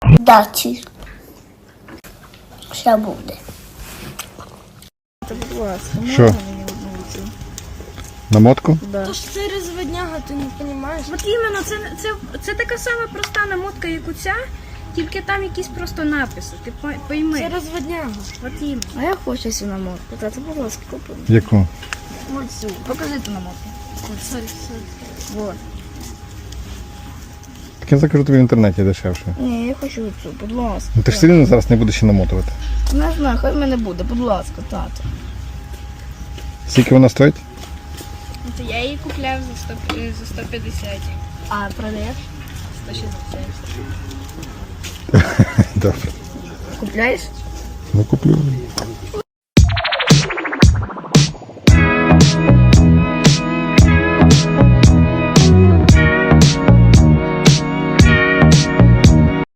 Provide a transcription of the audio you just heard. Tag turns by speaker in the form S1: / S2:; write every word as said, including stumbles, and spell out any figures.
S1: Дачі. Ще буде.
S2: Та, будь ласка,
S3: Що?
S2: можна мені одну цю?
S3: Намотку?
S2: Да.
S4: То ж це розводняга, ти не розумієш?
S5: От іменно, це, це, це така сама проста намотка, як у ця, тільки там якісь просто написи, ти по- пойми.
S4: Це розводняга.
S5: От іменно.
S2: А я хочу цю намотку. Тата, будь ласка, купи.
S3: Яку?
S2: Ось цю. Покажи ту намотку.
S4: Сорі, сорі.
S2: Вот.
S3: Так я закажу тобі в інтернеті дешевше.
S2: Ні, я хочу цю, будь ласка.
S3: Ну ти ж все одно зараз не будеш ще намотувати.
S2: Не знаю, хай в мене буде, будь ласка, тато.
S3: Скільки вона стоїть?
S5: От я її купляв за сто, е, за сто п'ятдесят.
S2: А продаєш?
S5: сто шістдесят.
S3: Добре.
S2: Купляєш?
S3: Ну куплю.